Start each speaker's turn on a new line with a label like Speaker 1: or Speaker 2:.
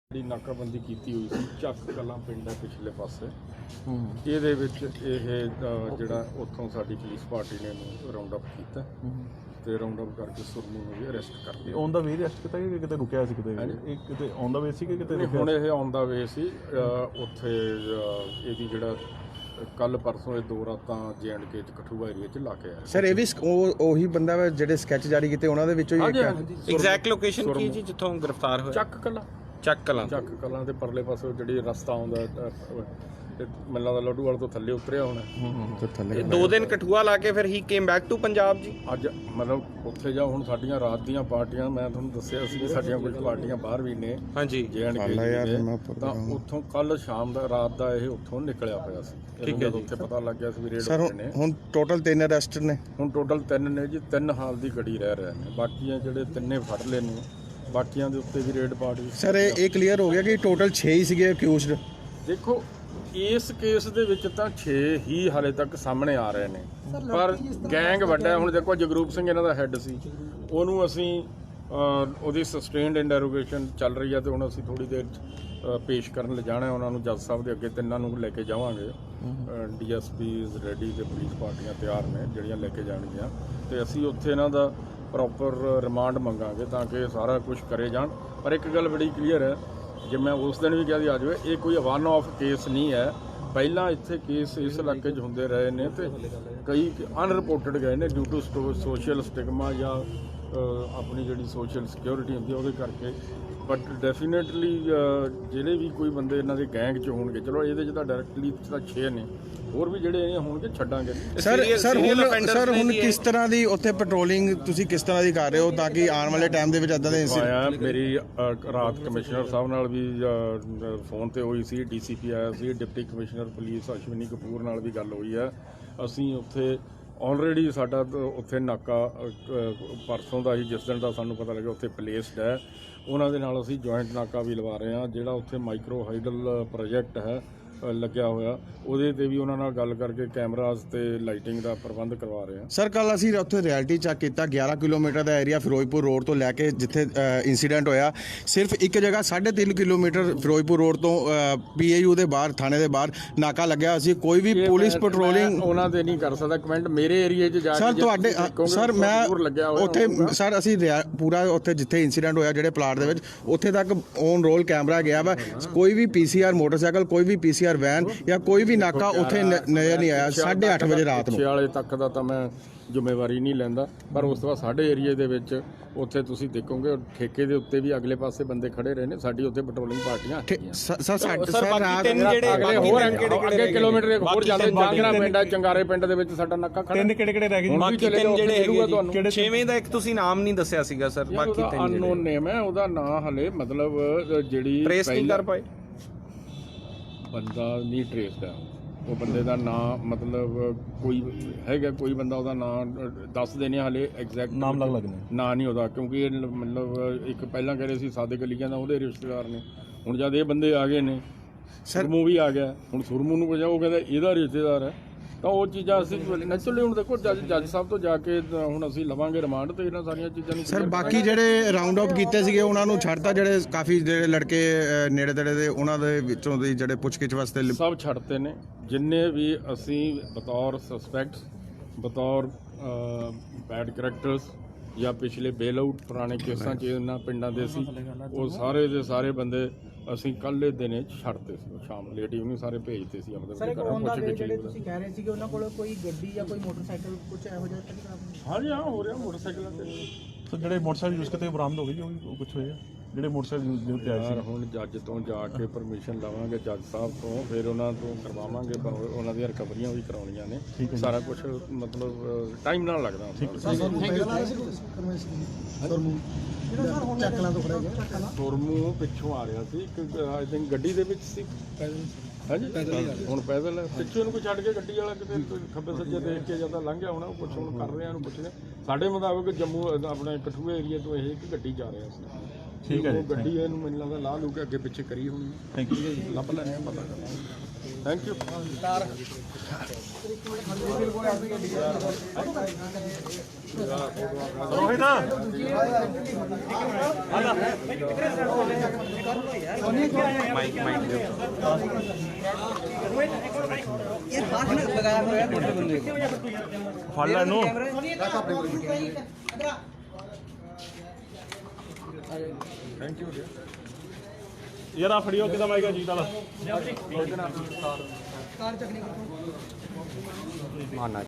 Speaker 1: ਜਿਹੜੀ ਨਾਕਾਬੰਦੀ ਕੀਤੀ ਹੋਈ ਸੀ ਚੱਕ ਕਲਾਂ ਪਿੰਡ ਹੈ ਪਿਛਲੇ ਪਾਸੇ ਇਹਦੇ ਵਿੱਚ ਇਹ ਜਿਹੜਾ ਉੱਥੋਂ ਸਾਡੀ ਪੁਲਿਸ ਪਾਰਟੀ ਨੇ ਇਹਨੂੰ ਰਾਉਂਡ ਅਪ ਕੀਤਾ ਤੇ ਰਾਉਂਡ ਅਪ ਕਰਕੇ ਸੁਰਮੂ ਨੂੰ ਵੀ ਅਰੈਸਟ ਕਰ ਲਿਆ।
Speaker 2: ਔਨ ਦਾ ਵੇ ਅਰੈਸਟ ਕੀਤਾ ਕਿ ਕਿਤੇ ਰੁਕਿਆ ਸੀ ਕਿਤੇ? ਇਹ ਕਿਤੇ ਔਨ ਦਾ ਵੇ ਸੀ ਕਿ ਕਿਤੇ
Speaker 1: ਹੁਣ ਇਹ ਔਨ ਦਾ ਵੇ ਸੀ। ਉੱਥੇ ਇਹਦੀ ਜਿਹੜਾ ਕੱਲ ਪਰਸੋਂ ਇਹ 2 ਰਾਤਾਂ J&K ਚ ਕਠੂਆ ਏਰੀਆ ਚ ਲਾ ਕੇ ਆਇਆ।
Speaker 3: ਸਰ ਇਹ ਵੀ ਉਹੀ ਬੰਦਾ ਵਾ ਜਿਹੜੇ ਸਕੈਚ ਜਾਰੀ ਕੀਤੇ ਉਹਨਾਂ ਦੇ ਵਿੱਚੋਂ ਹੀ ਇੱਕ
Speaker 4: ਐਗਜ਼ੈਕਟ ਲੋਕੇਸ਼ਨ ਕੀ ਜੀ ਜਿੱਥੋਂ ਗ੍ਰਿਫਤਾਰ ਹੋਇਆ? ਚੱਕ ਕਲਾਂ ਦੇ ਪਰਲੇ ਪਾਸੇ ਜਿਹੜੀ ਰਸਤਾ ਆਉਂਦਾ ਮੈਨੂੰ ਲੱਗਦਾ ਲੱਡੂਵਾਲ ਤੋਂ ਥੱਲੇ ਉਤਰਿਆ ਹੋਣਾ। 2 ਦਿਨ ਕਠੂਆ ਲਾ ਕੇ ਫਿਰ ਹੀ came back to Punjab ji.
Speaker 1: ਅੱਜ ਮਤਲਬ ਉੱਥੇ ਜਾ ਹੁਣ ਸਾਡੀਆਂ ਰਾਤ ਦੀਆਂ ਪਾਰਟੀਆਂ, ਮੈਂ ਤੁਹਾਨੂੰ ਦੱਸਿਆ ਸੀ ਕਿ ਸਾਡੀਆਂ ਕੁਝ ਪਾਰਟੀਆਂ ਬਾਹਰ ਵੀ ਨੇ
Speaker 4: ਹਾਂਜੀ
Speaker 1: J&K ਤਾਂ ਉੱਥੋਂ ਕੱਲ ਸ਼ਾਮ ਦਾ ਰਾਤ ਦਾ ਇਹ ਉੱਥੋਂ ਨਿਕਲਿਆ ਹੋਇਆ ਸੀ। ਠੀਕ ਹੈ, ਉੱਥੇ ਪਤਾ ਲੱਗ ਗਿਆ ਸੀ ਵੀ ਰੇਡ ਹੋਏ ਨੇ।
Speaker 3: ਹੁਣ ਟੋਟਲ 3 ਅਰੈਸਟ ਨੇ।
Speaker 1: ਹੁਣ ਟੋਟਲ 3 ਨੇ ਜੀ, 3 ਹਾਲ ਦੀ ਗੜੀ ਰਹਿ ਰਹੇ ਨੇ। ਬਾਕੀਆਂ ਜਿਹੜੇ 3 ਫੜ ਲਏ ਨੇ, ਬਾਕੀਆਂ ਦੇ ਉੱਤੇ ਵੀ ਰੇਡ ਪਾਰਟੀ।
Speaker 3: ਸਰ ਇਹ ਕਲੀਅਰ ਹੋ ਗਿਆ ਕਿ ਟੋਟਲ 6 ਹੀ ਸੀਗੇ ਅਕਿਊਜ਼ਡ।
Speaker 1: ਦੇਖੋ ਇਸ ਕੇਸ ਦੇ ਵਿੱਚ ਤਾਂ 6 ਹੀ ਹਾਲੇ ਤੱਕ ਸਾਹਮਣੇ ਆ ਰਹੇ ਨੇ, ਪਰ ਗੈਂਗ ਵੱਡਾ। ਹੁਣ ਦੇਖੋ ਜਗਰੂਪ ਸਿੰਘ ਇਹਨਾਂ ਦਾ ਹੈੱਡ ਸੀ, ਉਹਨੂੰ ਅਸੀਂ ਉਹਦੀ ਸਸਟੇਨਡ ਇੰਟਰੋਗੇਸ਼ਨ ਚੱਲ ਰਹੀ ਹੈ ਤੇ ਹੁਣ ਅਸੀਂ ਥੋੜੀ ਦੇਰ ਪੇਸ਼ ਕਰਨ ਲਿਜਾਣਾ ਉਹਨਾਂ ਨੂੰ ਜੱਜ ਸਾਹਿਬ ਦੇ ਅੱਗੇ। 3 ਨੂੰ ਲੈ ਕੇ ਜਾਵਾਂਗੇ। DSPs ਰੈਡੀ ਤੇ ਪੁਲਿਸ ਪਾਰਟੀਆਂ ਤਿਆਰ ਨੇ ਜਿਹੜੀਆਂ ਲੈ ਕੇ ਜਾਣਗੀਆਂ ਤੇ ਅਸੀਂ ਉੱਥੇ ਇਹਨਾਂ ਦਾ ਪ੍ਰੋਪਰ ਰਿਮਾਂਡ ਮੰਗਾਂਗੇ ਤਾਂ ਕਿ ਸਾਰਾ ਕੁਝ ਕਰੇ ਜਾਣ। ਪਰ ਇੱਕ ਗੱਲ ਬੜੀ ਕਲੀਅਰ ਹੈ, ਜੇ ਮੈਂ ਉਸ ਦਿਨ ਵੀ ਕਿਹਾ ਸੀ ਆ ਜਾਵੇ, ਇਹ ਕੋਈ ਵਨ ਆਫ ਕੇਸ ਨਹੀਂ ਹੈ। ਪਹਿਲਾਂ ਇੱਥੇ ਕੇਸ ਇਸ ਇਲਾਕੇ 'ਚ ਹੁੰਦੇ ਰਹੇ ਨੇ ਤੇ ਕਈ ਅਨਰਿਪੋਰਟਡ ਗਏ ਨੇ ਡਿਊ ਟੂ ਸੋਸ਼ਲ ਸਟਿਗਮਾ ਜਾਂ ਆਪਣੀ ਜਿਹੜੀ ਸੋਸ਼ਲ ਸਿਕਿਉਰਿਟੀ ਹੁੰਦੀ ਉਹਦੇ ਕਰਕੇ। ਬਟ ਡੈਫੀਨੇਟਲੀ ਜਿਹੜੇ ਵੀ ਕੋਈ ਬੰਦੇ ਇਹਨਾਂ ਦੇ ਗੈਂਗ 'ਚ ਹੋਣਗੇ, ਚਲੋ ਇਹਦੇ 'ਚ ਤਾਂ ਡਾਇਰੈਕਟਲੀ ਤਾਂ 6 ਨੇ, ਹੋਰ ਵੀ ਜਿਹੜੇ ਇਹ ਹੋਣਗੇ ਛੱਡਾਂਗੇ।
Speaker 3: ਸਰ ਹੁਣ ਕਿਸ ਤਰ੍ਹਾਂ ਦੀ ਉੱਥੇ ਪੈਟਰੋਲਿੰਗ ਤੁਸੀਂ ਕਿਸ ਤਰ੍ਹਾਂ ਦੀ ਕਰ ਰਹੇ ਹੋ ਤਾਂ ਕਿ ਆਉਣ ਵਾਲੇ ਟਾਈਮ ਦੇ ਵਿੱਚ ਇਦਾਂ ਦੇ
Speaker 1: ਇੰਸੀਡੈਂਟ? ਮੇਰੀ ਰਾਤ ਕਮਿਸ਼ਨਰ ਸਾਹਿਬ ਨਾਲ ਵੀ ਫੋਨ ਤੇ ਹੋਈ ਸੀ, DCP ਆਇਆ ਸੀ, deputy commissioner police Ashwani Kapoor ਨਾਲ ਵੀ ਗੱਲ ਹੋਈ ਹੈ। ਅਸੀਂ ਉੱਥੇ ਆਲਰੇਡੀ ਸਾਡਾ ਉੱਥੇ ਨਾਕਾ ਪਰਸੋਂ ਦਾ ਹੀ, ਜਿਸ ਦਿਨ ਦਾ ਸਾਨੂੰ ਪਤਾ ਲੱਗਿਆ ਉੱਥੇ ਪਲੇਸਡ ਹੈ, ਉਹਨਾਂ ਦੇ ਨਾਲ ਅਸੀਂ ਜੁਆਇੰਟ ਨਾਕਾ ਵੀ ਲਵਾ ਰਹੇ ਹਾਂ। ਜਿਹੜਾ ਉੱਥੇ ਮਾਈਕਰੋ ਹਾਈਡਲ ਪ੍ਰੋਜੈਕਟ ਹੈ ਲੱਗਿਆ ਹੋਇਆ, ਉਹਦੇ ਤੇ ਵੀ ਉਹਨਾਂ ਨਾਲ ਗੱਲ ਕਰਕੇ ਕੈਮਰਾਜ਼ ਤੇ ਲਾਈਟਿੰਗ ਦਾ ਪ੍ਰਬੰਧ ਕਰਵਾ ਰਹੇ ਹਾਂ।
Speaker 3: ਸਰ ਕੱਲ ਅਸੀਂ ਉੱਥੇ ਰਿਐਲਿਟੀ ਚੈੱਕ ਕੀਤਾ, 11 ਕਿਲੋਮੀਟਰ ਦਾ ਏਰੀਆ ਫਿਰੋਜ਼ਪੁਰ ਰੋਡ ਤੋਂ ਲੈ ਕੇ ਜਿੱਥੇ ਇਨਸੀਡੈਂਟ ਹੋਇਆ, ਸਿਰਫ ਇੱਕ ਜਗ੍ਹਾ 3.5 ਕਿਲੋਮੀਟਰ ਫਿਰੋਜ਼ਪੁਰ ਰੋਡ ਤੋਂ PAU ਦੇ ਬਾਹਰ, ਥਾਣੇ ਦੇ ਬਾਹਰ ਨਾਕਾ ਲੱਗਿਆ ਸੀ। ਕੋਈ ਵੀ ਪੁਲਿਸ ਪੈਟਰੋਲਿੰਗ
Speaker 1: ਉਹਨਾਂ ਤੇ ਨਹੀਂ ਕਰ ਸਕਦਾ ਕਮੈਂਟ। ਮੇਰੇ ਏਰੀਏ 'ਚ ਜਾ ਕੇ
Speaker 3: ਸਰ ਤੁਹਾਡੇ ਸਰ ਮੈਂ ਉੱਥੇ ਸਰ ਅਸੀਂ ਪੂਰਾ ਉੱਥੇ ਜਿੱਥੇ ਇਨਸੀਡੈਂਟ ਹੋਇਆ ਜਿਹੜੇ ਪਲਾਟ ਦੇ ਵਿੱਚ, ਉੱਥੇ ਤੱਕ ਔਨ ਰੋਲ ਕੈਮਰਾ ਗਿਆ ਵਾ। ਕੋਈ ਵੀ PCR ਮੋਟਰਸਾਈਕਲ, ਕੋਈ ਵੀ PCR ਵੈਨ ਜਾਂ ਕੋਈ ਵੀ ਨਾਕਾ ਉੱਥੇ ਨਜ਼ਰ ਨਹੀਂ ਆਇਆ 8:30 ਵਜੇ ਰਾਤ ਨੂੰ।
Speaker 1: ਵਾਲੇ ਤੱਕ ਦਾ ਤਾਂ ਮੈਂ ਜ਼ਿੰਮੇਵਾਰੀ ਨਹੀਂ ਲੈਂਦਾ, ਪਰ ਉਸ ਤੋਂ ਬਾਅਦ ਸਾਡੇ ਏਰੀਏ ਦੇ ਵਿੱਚ ਉੱਥੇ ਤੁਸੀਂ ਦੇਖੋਗੇ ਠੇਕੇ ਦੇ ਉੱਤੇ ਵੀ ਅਗਲੇ ਪਾਸੇ ਬੰਦੇ ਖੜੇ ਰਹੇ ਨੇ। ਸਾਡੀ ਉੱਥੇ ਪੈਟਰੋਲਿੰਗ ਪਾਰਟੀਆਂ ਅੱਗੇ ਕਿਲੋਮੀਟਰ ਹੋਰ ਜਾਂਦੇ ਜਾਂਗਰਾ ਪਿੰਡ, ਚੰਗਾਰੇ ਪਿੰਡ ਦੇ ਵਿੱਚ ਸਾਡਾ ਨਾਕਾ ਖੜਾ।
Speaker 2: 3 ਕਿਹੜੇ ਰਹਿ ਗਏ?
Speaker 4: ਬਾਕੀ 3 ਜਿਹੜੇ ਹੈਗੇ ਤੁਹਾਨੂੰ 6ਵੇਂ ਦਾ ਇੱਕ ਤੁਸੀਂ ਨਾਮ ਨਹੀਂ ਦੱਸਿਆ ਸੀਗਾ ਸਰ। ਬਾਕੀ 3
Speaker 1: ਅਨਨੋਨ ਨੇਮ ਹੈ, ਉਹਦਾ ਨਾਂ ਹਲੇ ਮਤਲਬ ਜਿਹੜੀ
Speaker 4: ਟ੍ਰੇਸ ਨਹੀਂ ਕਰ ਪਾਏ,
Speaker 1: ਬੰਦਾ ਨਹੀਂ ਟ੍ਰੇਸਡ ਹੈ। ਉਹ ਬੰਦੇ ਦਾ ਨਾਂ ਮਤਲਬ ਕੋਈ ਹੈਗਾ, ਕੋਈ ਬੰਦਾ ਉਹਦਾ ਨਾਂ ਦੱਸ ਦੇਣੇ ਹਲੇ ਐਗਜ਼ੈਕਟ
Speaker 2: ਨਾਮ ਲੱਗਣੇ
Speaker 1: ਨਾਂ ਨਹੀਂ ਉਹਦਾ, ਕਿਉਂਕਿ ਇਹ ਮਤਲਬ ਇੱਕ ਪਹਿਲਾਂ ਕਹਿ ਰਹੇ ਸੀ ਸਾਦਿਕ ਅਲੀ ਕਹਿੰਦਾ ਉਹਦੇ ਰਿਸ਼ਤੇਦਾਰ ਨੇ। ਹੁਣ ਜਦ ਇਹ ਬੰਦੇ ਆ ਗਏ ਨੇ, ਸੁਰਮੂ ਵੀ ਆ ਗਿਆ, ਹੁਣ ਸੁਰਮੂ ਨੂੰ ਪੁੱਛਿਆ ਉਹ ਕਹਿੰਦਾ ਇਹਦਾ ਰਿਸ਼ਤੇਦਾਰ ਹੈ। ਤਾਂ ਉਹ ਚੀਜ਼ਾਂ ਅਸੀਂ ਨੈਚੁਰਲੀ ਹੁਣ ਦੇਖੋ ਜੱਜ ਸਾਹਿਬ ਤੋਂ ਜਾ ਕੇ ਹੁਣ ਅਸੀਂ ਲਵਾਂਗੇ ਰਿਮਾਂਡ ਤੇ ਇਹਨਾਂ ਸਾਰੀਆਂ ਚੀਜ਼ਾਂ ਨੂੰ।
Speaker 3: ਸਰ ਬਾਕੀ ਜਿਹੜੇ ਰਾਉਂਡ ਅਪ ਕੀਤੇ ਸੀਗੇ ਉਹਨਾਂ ਨੂੰ ਛੱਡਤਾ, ਜਿਹੜੇ ਕਾਫੀ ਜਿਹੜੇ ਲੜਕੇ ਨੇੜੇ ਤੇੜੇ ਦੇ ਉਹਨਾਂ ਦੇ ਵਿੱਚੋਂ ਦੀ ਜਿਹੜੇ ਪੁੱਛਗਿੱਛ ਵਾਸਤੇ
Speaker 1: ਸਭ ਛੱਡਤੇ ਨੇ। ਜਿੰਨੇ ਵੀ ਅਸੀਂ ਬਤੌਰ ਸਸਪੈਕਟਸ, ਬਤੌਰ ਬੈਡ ਕਰੈਕਟਰਸ ਜਾਂ ਪਿਛਲੇ ਬੇਲ ਆਊਟ ਪੁਰਾਣੇ ਕੇਸਾਂ 'ਚ ਇਹਨਾਂ ਪਿੰਡਾਂ ਦੇ ਸੀ, ਉਹ ਸਾਰੇ ਦੇ ਸਾਰੇ ਬੰਦੇ ਅਸੀਂ ਕੱਲ੍ਹ ਦਿਨੇ ਛੱਡਤੇ ਸੀ। ਸ਼ਾਮ ਲੇਟ ਇਵਨਿੰਗ ਸਾਰੇ ਭੇਜਤੇ ਸੀ ਆਪਣੇ ਘਰਾਂ।
Speaker 5: ਜਿਹੜੇ ਤੁਸੀਂ ਕਹਿ ਰਹੇ ਸੀ ਕਿ ਉਹਨਾਂ ਕੋਲ ਕੋਈ ਗੱਡੀ ਜਾਂ ਕੋਈ ਮੋਟਰਸਾਈਕਲ ਕੁਝ ਇਹੋ ਜਿਹਾ ਤਾਂ ਨਹੀਂ ਖਰਾਬ?
Speaker 1: ਹਾਂਜੀ ਹਾਂ, ਹੋ ਰਿਹਾ ਮੋਟਰਸਾਈਕਲਾਂ ਤੇ।
Speaker 2: ਸੋ ਜਿਹੜੇ ਮੋਟਰਸਾਈਕਲ ਯੂਜ਼ ਕੀਤੇ ਬਰਾਮਦ ਹੋ ਗਏ ਜੀ, ਉਹ ਕੁਝ ਹੋਇਆ ਜਿਹੜੇ ਮੋਟਰਸਾਈਕਲ ਦੇ ਉੱਤੇ ਆਏ ਸੀ?
Speaker 1: ਹੁਣ ਜੱਜ ਤੋਂ ਜਾ ਕੇ ਪਰਮਿਸ਼ਨ ਲਵਾਂਗੇ ਜੱਜ ਸਾਹਿਬ ਤੋਂ, ਫਿਰ ਉਹਨਾਂ ਤੋਂ ਕਰਵਾਵਾਂਗੇ। ਉਹਨਾਂ ਦੀਆਂ ਰਿਕਵਰੀਆਂ ਵੀ ਕਰਾਉਣੀਆਂ ਨੇ, ਸਾਰਾ ਕੁਝ ਮਤਲਬ ਟਾਈਮ ਨਾਲ ਲੱਗਦਾ। ਸੁਰਮੂ ਪਿੱਛੋਂ ਆ ਰਿਹਾ ਸੀ, ਆਈ ਥਿੰਕ ਗੱਡੀ ਦੇ ਵਿੱਚ ਸੀ। ਹਾਂਜੀ ਹੁਣ ਪੈਦਲ ਪਿੱਛੇ ਨੂੰ ਕੋਈ ਛੱਡ ਕੇ ਗੱਡੀ ਵਾਲਾ ਕਿਤੇ ਖੱਬੇ ਸੱਜੇ ਦੇਖ ਕੇ ਜਾਂ ਤਾਂ ਲੰਘ ਗਿਆ ਹੋਣਾ। ਉਹ ਕੁਛ ਹੁਣ ਕਰ ਰਹੇ ਆ, ਉਹਨੂੰ ਪੁੱਛਦੇ। ਸਾਡੇ ਮੁਤਾਬਕ ਜੰਮੂ ਆਪਣੇ ਕਠੂਆ ਏਰੀਆ ਤੋਂ ਇਹ ਇੱਕ ਗੱਡੀ ਜਾ ਰਿਹਾ ਸੀ।
Speaker 2: ਠੀਕ ਹੈ ਜੀ,
Speaker 1: ਉਹ ਗੱਡੀ ਇਹਨੂੰ ਮੈਨੂੰ ਲੱਗਦਾ ਲਾ ਲੂ ਕੇ ਅੱਗੇ ਪਿੱਛੇ ਕਰੀ ਹੋਣੀ।
Speaker 2: Thank you.
Speaker 1: ਲੱਭ ਲੈਣੇ ਆ, ਪਤਾ ਕਰਾਂਗੇ। Thank you.
Speaker 2: ਰੋਹਿਤ ਫੜ ਲੈ ਇਹਨੂੰ।
Speaker 1: Thank you.
Speaker 2: ਯਾਰ ਆ ਫੜਿਓ ਕਿਦਾਂ ਮਾਈਗਾ ਜੀਤ ਵਾਲਾ।